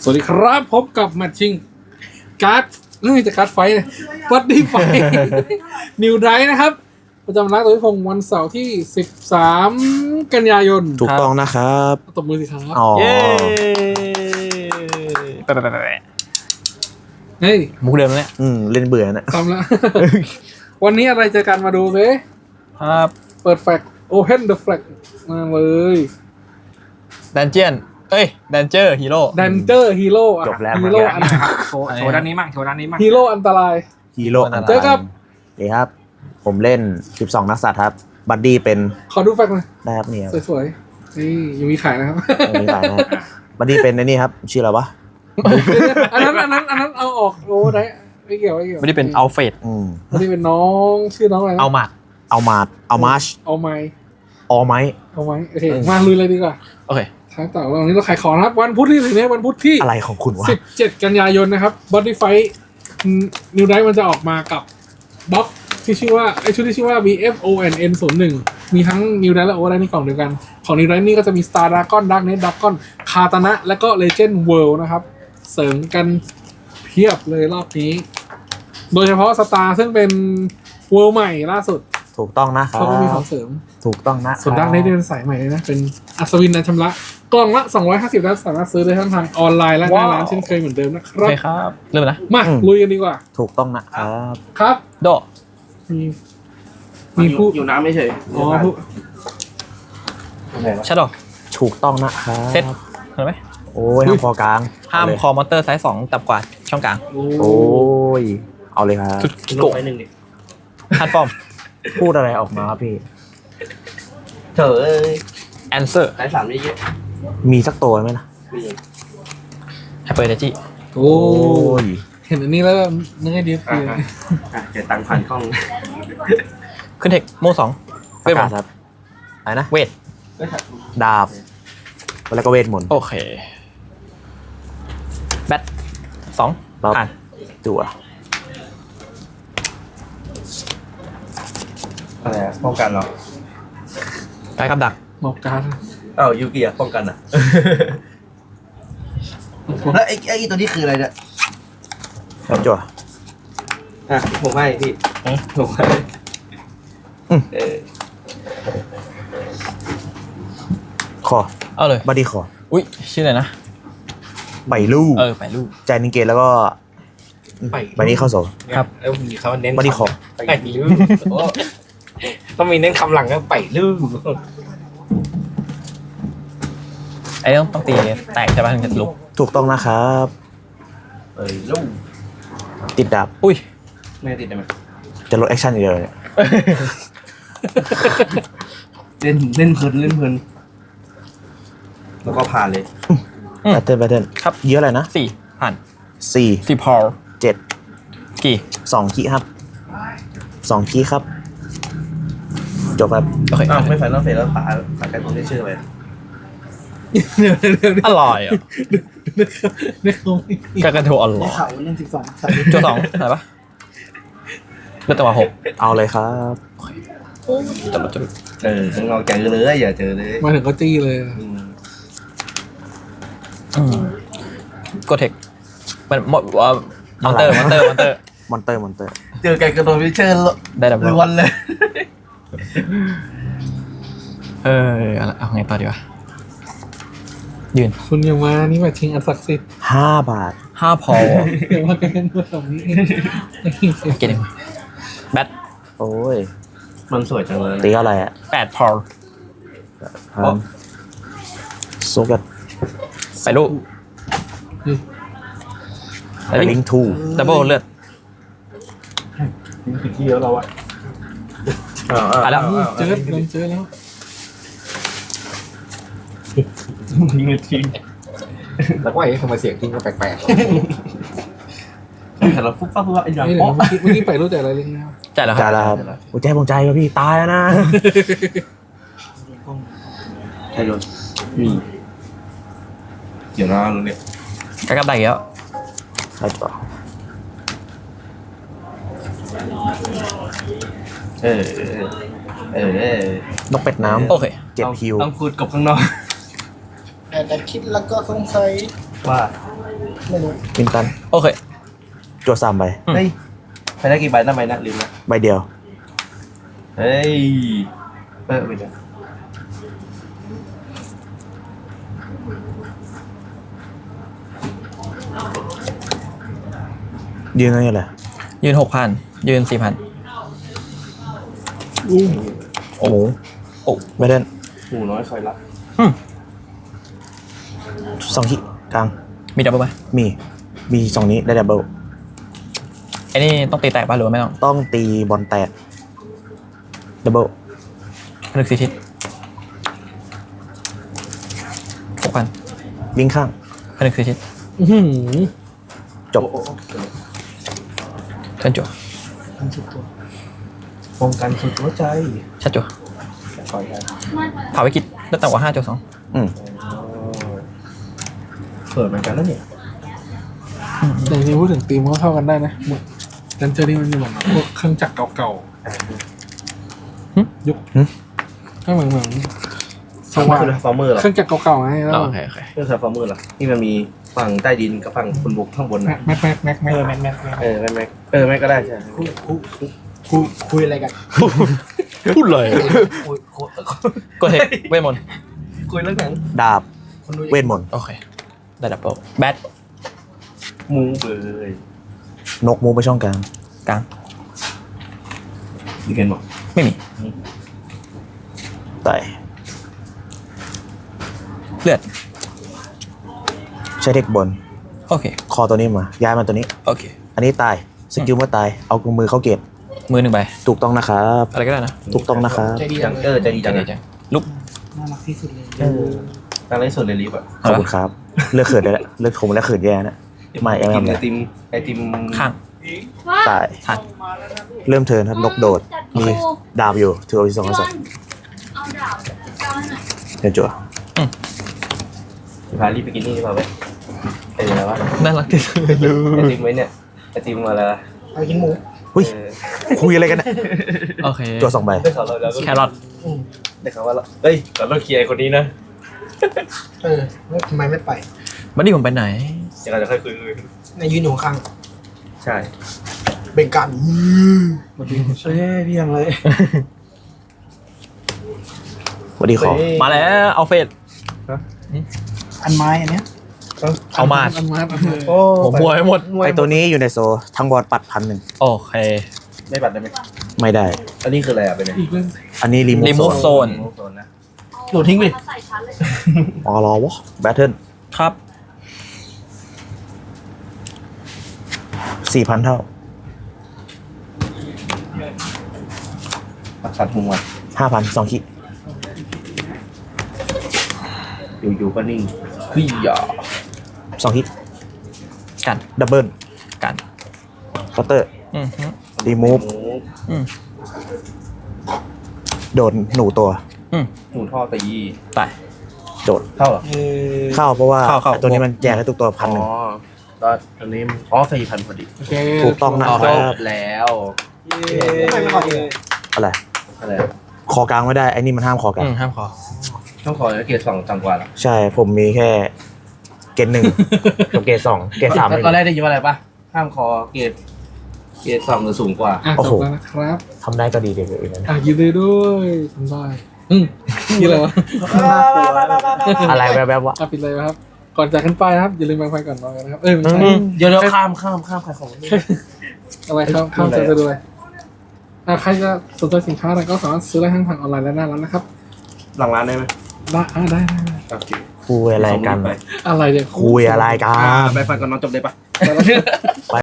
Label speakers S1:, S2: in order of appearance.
S1: สวัสดีครับพบกับแมตชิงการ์ดจะการ์ดไฟวัดดีไฟนิวไดนะครับประจำร้านตัวพิพงศ์วันเสาร์ที่13กันยายน
S2: ถูกต้องนะครับ
S1: ตบมือสิครับ
S2: เย้
S1: เฮ้ย
S3: มุกเดิมเนี่ย
S2: เล่นเบื่อนะ
S1: ทำแล้ว วันนี้อะไรเจอกันมาดูเลย
S3: ครับ
S1: เปิดแฟกโอเพนเดอะแฟกมาเลย
S3: ดันเจียนดันเจอร์ฮีโร่
S1: ฮีโร่
S2: จบแล้ว
S1: ฮีโร่อัน
S4: โชว์ด้านนี้มั่ง
S1: ฮีโร่อันตรายเจอกับ
S2: นี่ครับผมเล่น12นักสัตว์ครับบัดดี้เป็น
S1: ขอดูแฟกหน่อย
S2: ได้ครับนี่
S1: สวยๆนี่ยังมีขายนะครับ
S2: มีขายนะบัดดี้เป็นในนี่ครับชื่ออะไรวะ
S1: อันนั้นเอาออกโอ้ได้ไม่เกี่ยว
S3: ไม่ได้เป็นอัลเฟด
S1: ไม่ได้เป็นน้องชื่อน้องอะไร
S3: เอามาร์ช
S1: เอาไมโอเคมาลุยเลยดีกว่า
S3: โอเค
S1: ทางต่อวันนี้เราขายของนะครับวันพุธที่ถึงนี้วันพุธที่
S2: อะไรของคุณวะ
S1: 17กันยายนนะครับบอดี้ไฟนิวไดมันจะออกมากับบ็อกที่ชื่อว่าชุดที่ชื่อว่า BFONN01 มีทั้งนิวไดและโอไดในกล่องเดียวกันของนิวไดนี่ก็จะมี Star Dragon Darknet Dragon คาตานะและก็ Legend World นะครับเสริมกันเพียบเลยรอบนี้โดยเฉพาะ Star ซึ่งเป็น World ใหม่ล่าสุด
S2: ถูกต้องนะครับ
S1: เขาก็มีของเสริม
S2: ถูกต้องนะ
S1: ส่วนดักเน็ตเป็นสายใหม่เลยนะเป็นอัศวินนันชำระกล่องละ250แล้วสามารถซื้อได้ทั้งทางออนไลน์และหน้าร้านเช่นเคยเหมือนเดิมนะครับ
S3: ใช่ครับเริ่มนะ
S1: มาลุยกันดีกว่า
S2: ถูกต้องนะครับ
S1: ครับ
S3: โด
S1: มีผู้
S4: อยู่น้ำไม่เฉย
S1: อ๋อผู้
S3: ชัดดอก
S2: ถูกต้องนะครับ
S3: เซ็ตเห็นไหม
S2: โอ้ยห้ามคอกลาง
S3: ห้ามคอมอเตอร์ไซส์2ต่ำกว่าช่องกลาง
S2: โอ้ยเอาเลยครับ
S3: ชุดกิโกะ
S4: 1ดิ
S3: ฮันฟอร์ม
S2: พูดอะไรออกมาครับพี่
S4: เถอะ
S3: แอนเซอร์
S4: ไซส์3เยอะ
S2: มีสักตัวไหมนะ
S3: ไฮเปอร์เดจิ
S1: โอ้ยเห็นอันนี้แล้วนึกไอเดียคือ
S4: เดี๋ยวตังค์พันกล้อง
S3: ขึ้นเทคโม่2เวทมนต์
S2: ครับอะไรนะ
S3: เวท
S2: ดาบแล้วก็เวทมนต์
S3: โอเคแบท2ผ่าน
S2: จั่ว
S4: อะไรป้องกันเหรอ
S3: การกับดัก
S1: บอกการ
S4: ยูกิป้องกันอ่ะแล้วไอ้ตัวนี้คืออะไรเนี่ย
S2: จั่ว
S4: ผมให้พี่ผมให้
S2: ขอ
S3: เอาเลย
S2: บัดดี้ขอ
S3: อุ้ยชื่ออะไรนะ
S2: ใบลู่
S3: ใบลู่
S2: ใจนิงเกตแล้วก็ใบนี้เข้าโซ่
S4: ครับแล้วมีเขาเน้น
S2: บัดดี้ขอ
S4: ไปลู่ต้องมีเน้นคำหลังก็ไปลู่
S3: ไอ้ต้องตีแตกใช่ป่ะถึงจะลุก
S2: ถูกต้องนะครับ
S4: ลู่
S2: ติดดาบ
S3: อุ้ย
S4: ไม่ติดได้ไหม
S2: จะลดแอคชั่นอีกเลย
S4: เล่นเพลินแล้วก็ผ่านเลย
S2: แบตเทิล
S3: ครับ
S2: เยอะเลยนะ
S3: 4ผ่าน
S2: 4
S3: พอล
S2: 7
S3: กี่
S2: 2คีครับ2คีครับจบครับ
S3: โอเค
S4: ไม่ฝันต้องเสร็จแล้วปากันตรงนี้ชื่ออะไร
S3: อร่อยอ่ะกากระทูอร่อย
S1: เขาเล่น
S3: 12จุด2ใช่ปะเลือกตัว6
S2: เอาเลยครับ
S3: จับมาจุด
S4: ข้างนอกเจอเลยอย่าเจอเลย
S1: มาถึงก็จี้เลย
S3: กดเทคมันหมดว่ามอนเตอร์
S4: เจอกันกระโดดวิเชอร์
S3: ได้ดับ
S4: ล้วนเลย
S3: เอาไงต่อดีวะยืน
S1: คุณอย่ามานี่มาชิงอันศักดิ์สิทธิ์
S2: 5 บาท
S3: 5พอ
S1: อย่ามากันแบบนี้
S3: เก่งแบท
S2: โอ้ย
S4: มันสวยจังเลย
S2: ตีอะไรอ่ะ
S3: 8พอ
S2: โซกัด
S3: ไปลูก
S2: ลิงทู
S3: ดับเบิลเลือด
S4: ที่แล้วเราอะ
S3: ไปแล้ว
S1: เจอแล้ว
S4: ทิ้งทิ้งแล้วก็ไอ้ทำไมเสียงทิ้งก็แปลกๆแต่เราฟุ๊บปั๊บไอ้ยัง
S1: เมื่อกี้ไปรู้แต่อะไรเรื่องนี้
S3: จ่ายแล้ว
S2: ครับหัวใจผมใจว่ะพี่ตายแล้วนะ
S4: ใช่เลยเดี๋ยวนะลุงเนี่ย
S3: กระกับได้แล้ว
S2: ใช่ป่ะนกเป็ดน้ำ
S3: โอเค
S2: เจ็บคิว
S4: ต้องพูดกับข้างนอก
S1: แต่คิดแล้วก็สงสัย
S4: ว่า
S5: ไม่รู้
S2: มินตัน
S3: โอเค
S2: จวด3 ใบ
S4: เฮ้ยไปได้กี่ใบนะใบนะลืมนะ
S2: ใบเดียว
S4: เฮ้ยไม่ได้
S2: ยืนอะไรแหละ
S3: ยืน 6,000 ยืน 4,000
S2: โอ้โห
S3: โอ้
S2: ไม่ได้
S4: หมูน้อยคอยรับ
S2: 2 ขีกลาง
S3: มีดับเบิลไหม
S2: มี2 นี้ได้ดับเบิล
S3: ไอ้นี่ต้องตีแตกป่ะหรือว่าไม่ต้อง
S2: ต้องตีบอลแตกดับเบิล
S3: ผนึก4 ทิศ6,000
S2: วิ่งข้าง
S3: ผนึก4 ทิศ
S1: อื้อหือ
S2: จบ
S3: เทิร์นจั่ว
S5: ทำสุดตัว
S4: ป้องกันสุดหัวใจ
S3: ชัดจั่ว
S4: คอยได้
S3: ผ่าวิกฤตได้ต่ำกว่า5 จั่ว
S2: อืม
S4: เปิดเหมือนกันแล้วเนี่ย
S1: แต่จริงๆพูดถึงธีมก็เข้ากันได้นะเหมือนดันเจอรี่มันมีเหมือนแบบพวกเครื่องจักรเก่าๆยุคก็เหมือนสว่าง
S4: คือฟอร์เมอร์เหรอ
S1: เครื่องจักรเก่าๆไงแล้ว
S3: โอเคโอเค
S4: เรื่องฟอร์เมอร์เหรอที่มันมีฝั่งใต้ดินกับฝั่งบนบกข้างบนนะ
S1: แม็กแม็ก
S5: แมน
S4: แม่ก็ได้ใช่
S5: คุยอะไรกัน
S3: พูดเลย
S4: คุย
S3: กดเทคเวทมนต์
S4: คุยเรื่องหนัง
S2: ดาบ
S5: คนดู
S2: เวทมนต์
S3: โอเค ได้ดับเบิลแบท
S4: มูเลย
S2: นกมูไปช่องกลาง
S3: กลาง
S4: ดีเกนบอก
S3: ไม่มี
S2: ไต่
S3: เลือด
S2: ใช้เทคบน
S3: โอเค
S2: คอตัวนี้มา ย้ายมาตัวนี้
S3: โอเค
S2: อันนี้ตาย สกิลเมื่อตาย เอามือเข้าเกต
S3: มือ1 ใบ
S2: ถูกต้องนะครับ
S3: อะไรก็ได้นะ
S2: ถูกต้องนะครับ
S5: ใจดี
S4: จั
S5: จั
S4: ง
S5: ง
S4: เออใจดีจั
S3: จั
S4: ง
S3: ง
S4: เลย
S3: จังลุก
S5: น่ารักที่สุดเลย
S4: ตั้งไรสุดเลยลิฟต์อ่ะ
S2: ขอบคุณครับ เลือกเขินได้แล้วเลือกผมแล้วเขินแย่นะไม่เอาไม่
S4: ไอ
S2: เอา
S4: ติม
S3: ข้าง
S2: ตาย
S3: ทัด
S2: เริ่มเทิร์นครับ นกโดด มีดาบอยู่ ถือเอาที่2
S6: พี่
S2: กับ
S6: วันเอาดาบก้าวหน่อย
S2: เดี๋ยวจั่ว
S4: พารีบไปกินนี่มาไหมไอ้อะไรวะ
S3: น่ารักที่สุดเลย
S4: ไอติมไว้เนี่ยไอติมอะไร
S5: ไปกินหมู
S2: หุ้ย คุยอะไรกันเนี่ย
S3: โอเค
S2: จั่ว2 ใบ
S4: ได้ข่าวเราแล้ว
S3: แครอท
S4: ได้ข่าวว่าเฮ้ยเราเคลียร์คนนี้นะ
S5: ทำไมไม่ไป
S3: บัดดี้ผมไปไหน
S4: เดี๋ยวเราจะค่อยคุย
S5: ในยืนอยู่ข้าง
S4: ใช่
S5: เบ่งกันพี่ยังเลย
S2: สวัสดีขอ
S3: มาแล้วเอาเฟส
S5: อันไม้อันเนี้ย
S3: เอามา
S1: อันมา
S4: โอ้
S3: ผมมัวไปหมด
S2: ไอตัวนี้อยู่ในโซ ทั้งบอลปัด1,000
S3: โอเค
S4: ไม่ปัดได้ไหม
S2: ไม่ได้
S4: อันนี้คืออะไรอ่ะเป็นไง
S1: อีกเรื่อง
S2: อันนี้รีมู
S3: remove
S2: โซ
S3: zone
S4: โซนนะ
S5: โหลดทิ้งไป
S6: มาใส่ชั้นเลย
S2: อ๋อรอวะแบทเทิล
S3: ครับ
S2: 4,000 เท่า
S4: ปักสัตว์หัว
S2: 5,000 2 ขี
S4: อยู่ๆก็นิ่งเฮ้ยอย่า
S2: 2 ขี
S3: กัน
S2: ดับเบิล
S3: กัน
S2: คัตเตอร์
S3: อืมฮึ
S2: รีมูฟ
S3: อืม
S2: โดนหนูตัว
S3: อืม
S4: หนูท่อตี
S3: ตาย
S2: โดด
S4: เท่าเหรอ
S2: เข้าเพราะว่า
S3: เข้า
S2: ไอ้ตัวนี้มันแจกให้ทุกตัว 1,000
S4: ตอนอันนี้4,000พอดี
S1: โอเค
S2: ถูกต้องนะ
S4: จ
S2: ครับ
S4: บแล้ว
S5: ทำไมไม่ขอดี
S2: อะไร
S4: อะไร
S2: คอกลางไม่ได้ ไอ้นี่มันห้ามคอกลาง
S3: ห้ามคอ
S4: ต้องขอเกียร์2ต่ำกว่าแล้ว
S2: ใช่ ผมมีแค่เกรด 1 กับเกรด 2 เกรด 3
S4: ตอนแรกได้ยินว่าอะไรปะห้ามคอเกียร์2หรือสูงกว่า
S1: อ่ะ
S2: โอ้
S1: จ
S2: โห
S1: บแล้วนะครับ
S2: ทำได้ก็ดีเด็กเลยนะ
S1: อ่ะยินดีด้วยทำได้ยี่อะไรวะ
S2: อะไรแวบๆวะ
S1: อ่ะปิดเลยนะครับ ก่อนจากกันไปนะครับ อย่าลืมแบ่งไฟก่อนนอนกันนะครับ ไม่ใช่
S4: เดี๋ยวข้ามใครของนี่
S1: อะไรข้ามจะด้วยใครจะสนใจสินค้าอะไรก็สามารถซื้อได้ทั้งทางออนไลน์และหน้าร้านนะครับ
S4: หลังร้านได้ไหม
S1: ได้
S4: โอเค
S2: คุยอะไรกัน
S1: อะไรเนี่ย
S2: คุยอะไรกัน
S4: ไปฟังก่อนนอนจบเลยปะ
S1: ไป